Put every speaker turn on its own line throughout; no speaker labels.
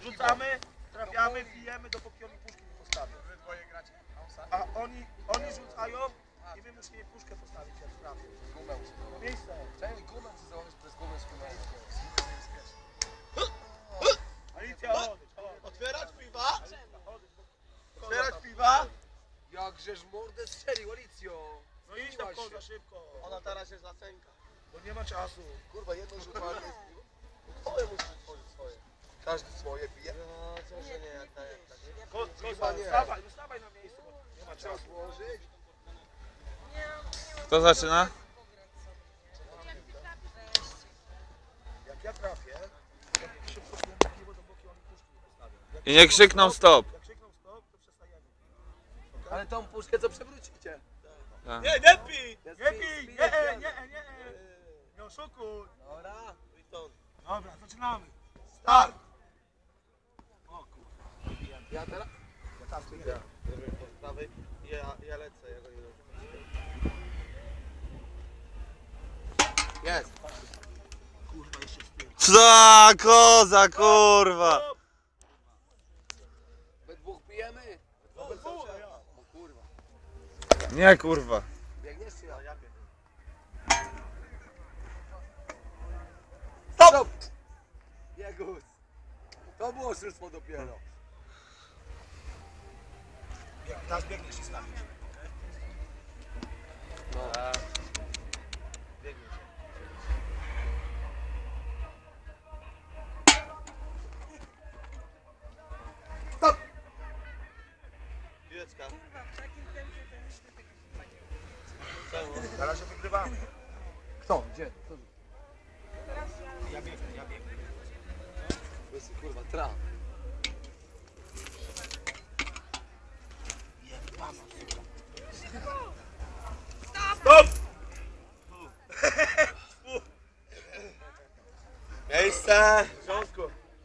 Rzucamy, trafiamy, bijemy, dopóki oni puszki nie postawią.
Wy dwoje gracie.
A oni rzucają i my musimy puszkę postawić, jak trafią.
Gumę muszę.
Miejsce.
Czemu gumę czy założyć przez gumę z gumą?
Alicja, odejdź.
Otwierać piwa? Otwierać piwa?
Jakżeż mordę strzelił, Alicjo!
No idź tam koza szybko.
Ona teraz jest na cenka.
Bo nie ma czasu.
Kurwa, jedno rzutowanie jest piwo. Twoje musi tworzyć swoje. Każdy swoje pije.
No, co że nie, jak tak.
Koza, wstawaj na miejsce, bo nie ma
Trzeba
czasu.
złożyć.
Kto zaczyna?
Jak ja trafię, to szybko piwo, dopóki oni puszki nie postawią.
I nie krzykną stop.
Jak krzykną stop, to przestajemy.
Ale tą puszkę co przewrócicie?
Tak.
Nie, nie pij!
Nie pij! Nie! Nie oszukuj!
Dobra.
Dobra, zaczynamy. Start! O kurwa.
Ja teraz?
Ja tam idę.
Prawej, ja lecę, ja go nie wiem.
Jest.
Kurwa, jeszcze z tyłu.
Za koza, kurwa!
We dwóch pijemy?
No, ja.
O kurwa.
Nie, kurwa.
Biegniesz czy ja?
Ja biegam.
Stop! Jegus. To było oszustwo dopiero.
Teraz biegniesz i stawisz.
No.
Biegnie się.
Stop!
Piłeczka.
Na razie wygrywamy.
Kto? Gdzie? Kto?
Ja biegnę.
To jest kurwa traf.
Stop!
Miejsce! W porządku.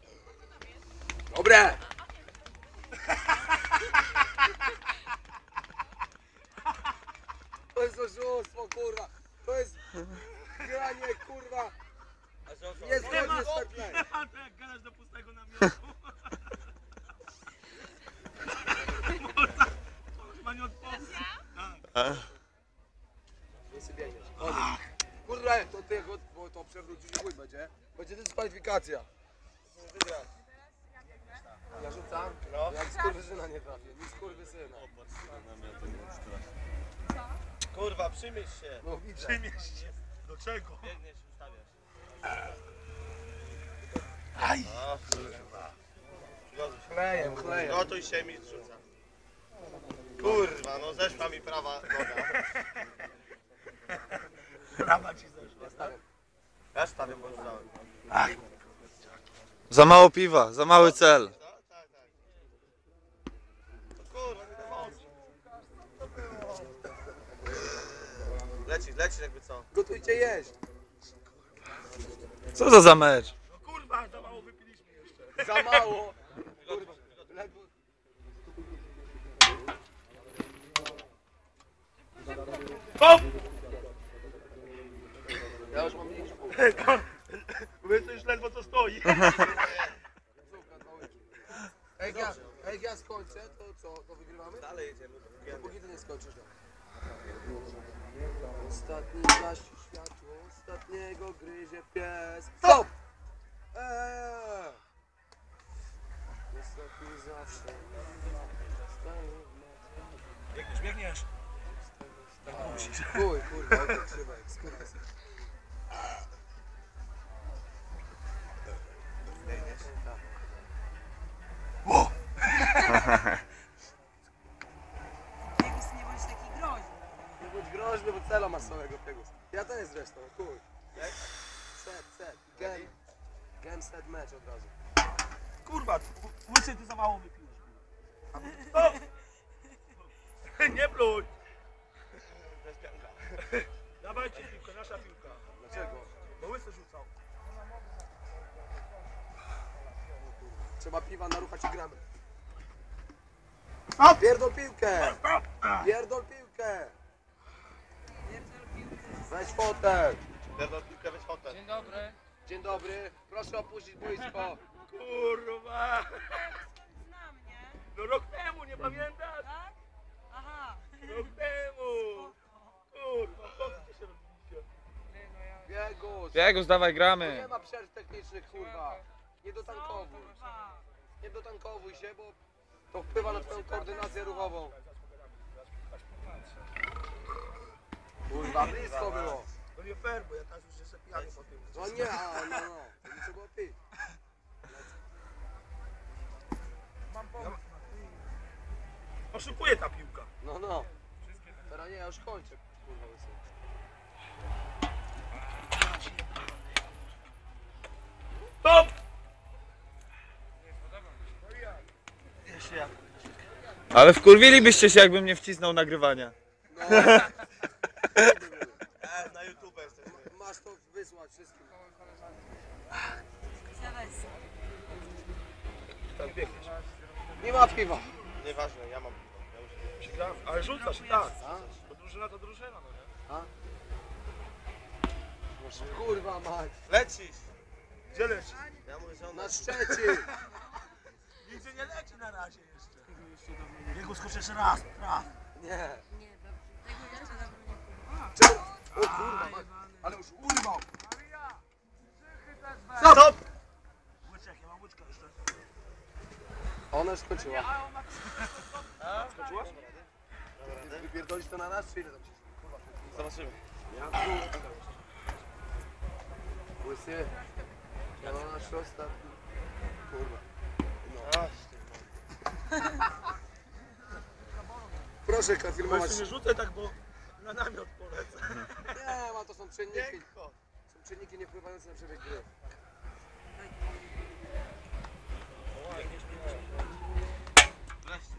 Dobre! To jest oszustwo, kurwa. To jest granie, kurwa. Niezgodnie z fair play.
To jak gadasz do pustego namiotu. To chyba nie odpowie.
Nie sobie biegniesz. Kurwa, to ty go, bo to przewrócisz i chuj będzie. Będzie dyskwalifikacja. Ja rzucam?
No.
Jak skurwysyna nie trafię. Nie skurwysyna.
Kurwa, przymierz się.
No widzę.
Przymieść się. Do czego?
Biegniesz i ustawiasz.
Aj!
O kurwa.
Klejem, klejem.
Gotuj się, mi rzuca. Kurwa, no zeszła mi prawa noga.
Prawa ci zeszła.
Stawiam.
Ja stawię, bo rzucałem.
Ach,
Za mało piwa, za mały cel.
Tak. No kurwa, nie dochodzi. Lecisz jakby co.
Gotujcie jeść.
Co za mecz?
no kurwa, za mało wypiliśmy jeszcze.
Za mało. Kurwa. Ledwo.
Stop!
Ja już mam mniejszy punkt.
Mówię, to już ledwo co stoi.
Jak ja skończę, to co? To wygrywamy?
Dalej jedziemy.
Póki ty nie skończysz. Ostatni gasi światło, ostatniego gryzie pies. Stop! Ostatni zawsze.
Biegniesz. Tak musisz.
Chuj, kurwa, jak trzeba, jak skurwysyn.
Biegniesz.
Ło!
Piegus, nie bądź taki groźny.
Nie bądź groźny, bo cela masz samego Piegus. Ja też zresztą, chuj. Set. Game set match od razu.
Kurwa, łysy, ty za mało wypiłeś. Stop! Nie pluj!
To jest pianka.
Dawajcie piłkę, nasza piłka.
Dlaczego?
Bo łysy rzucał.
Trzeba piwa naruchać i gramy.
Stop!
Pierdol piłkę!
Stop!
Pierdol piłkę!
Pierdol piłkę.
Weź fotel!
Pierdol piłkę, weź hotel.
Dzień dobry. Proszę opuścić boisko.
Kurwa! kurwa.
Skąd znam, nie?
No rok temu, nie pamiętasz?
Tak? Aha.
Rok temu. Kurwa, po co się robiliście?
Biegus!
Biegus, dawaj,
Tu
gramy.
nie ma przerw technicznych, kurwa. Nie
Są,
dotankowuj.
kurwa.
Nie dotankowuj się, bo to wpływa na twoją koordynację ruchową. Kurwa, blisko było.
To nie fair, bo ja teraz już jestem pijany po tym.
No nie, no. To nie trzeba było pić.
Mam pomysł. Oszukuje ta piłka.
No. Teraz nie, ja już kończę. Kurwa, łysy.
Stop!
Ale wkurwilibyście się, jakbym nie wcisnął nagrywania.
No.
Na YouTube jesteśmy.
Masz to wysłać wszystkim.
Siadaj sobie.
Tak biegniesz.
Nie ma piwa.
Nieważne, ja mam piwo. Ja już
Przegrałem, ale rzucasz, tak.
A?
Bo drużyna to drużyna, no nie?
A? Kurwa mać.
lecisz!
Gdzie leci?
Ja mówię, że on
Na Szczecin.
Nigdzie nie leci na razie jeszcze. Biegu skocz jeszcze raz.
Nie.
Nie, dobrze. Tego jeszcze dawno nie próbowałam.
Czemu? O kurwa mać. Ale już urwał.
Stop!
Łyczek, ja mam łyczka jeszcze.
Ona już skończyła.
Skończyłaś?
Wypierdolisz to na nas, czy ile tam się... Kurwa,
Zobaczymy.
łysy. Ja mam nasz ostatni. Kurwa. Proszę filmować.
Właśnie nie rzucę tak, bo na namiot polecę.
Nie, ma to są czynniki.
Piękko!
Są czynniki nie wpływające na przebieg gry.
Wreszcie.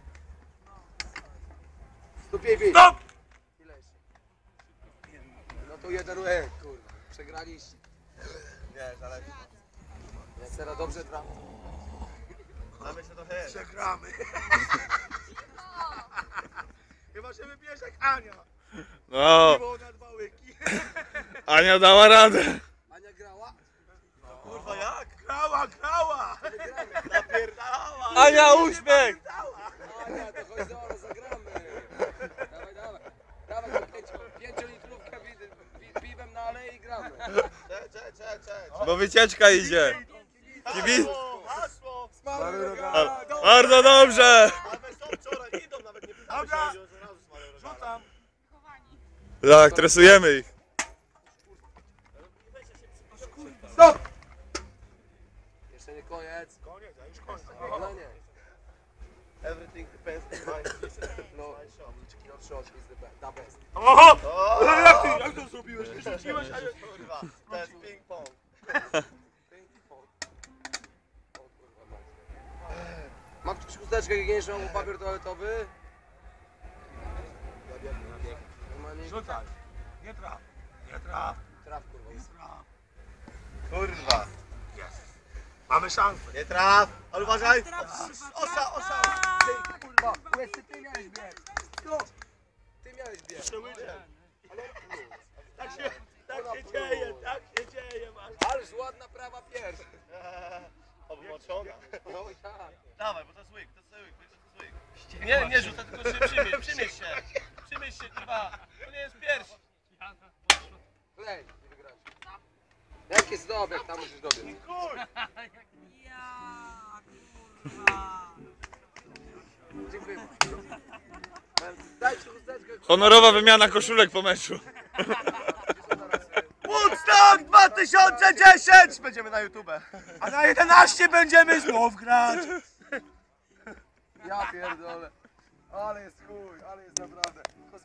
Stupiej bij.
Stop!
Ile jeszcze? No to jeden kurwa. Przegraliście.
Nie, zależy.
Ja teraz dobrze trafię.
Mamy się trochę jeść.
Przegramy. Chyba się wybierze jak Ania.
No,
Piwo na dwa łyki.
Ania dała radę.
Ania grała?
Kurwa jak?
Grała!
Wygramy.
Napierdalała!
Ania, uśmiech!
Ania, to chodź zaraz, zagramy. Dawaj. Dawaj tą 5-litrówkę piwem na alei i gramy.
Cześć.
Bo wycieczka idzie. Kibic.
Hasło!
Bardzo dobrze.
Ale są wczoraj, idą, nawet nie pytamy się,
Dobra.
że od razu smarują rogala.
Rzucam.
Chowani.
Tak, tresujemy ich.
Stop! Jeszcze nie koniec.
Koniec, a już koniec.
No nie.
Everything depends on my
No,
my shop.
your shot is the best.
Oho!
O!
Ale jak to zrobiłeś? Ty rzuciłeś, a ja...
Kurwa, to jest ping pong.
O kurwa mać. Ma ktoś chusteczkę higieniczną, papier toaletowy? Normalnie
Rzucaj. Nie traf. Nie traf.
traf kurwa.
Nie traf.
Kurwa.
Jest. Mamy szansę.
Nie traf! Ale uważaj!
Osa!
Ty kurwa, łysy, ty miałeś bieg. No, ty miałeś bieg.
Jeszcze łyżę. Tak się dzieje, masz.
Ależ ładna prawa pierś.
Obmoczona.
No i tak.
Dawaj, bo to jest łyk, to jest łyk, to jest łyk. Nie rzucaj, tylko się przymierz się. Przymierz się, kurwa. To nie jest pierś.
Klej, nie wygrałeś. Jaki jest dobieg, tam musisz dobiec.
Kur!
Ja, kurwa.
Dziękuję. Dajcie chusteczkę.
Honorowa wymiana koszulek po meczu.
Woodstock 2010! Będziemy na YouTube.
A na 11 będziemy znów grać.
Ja pierdolę. Ale jest chuj, ale jest naprawdę.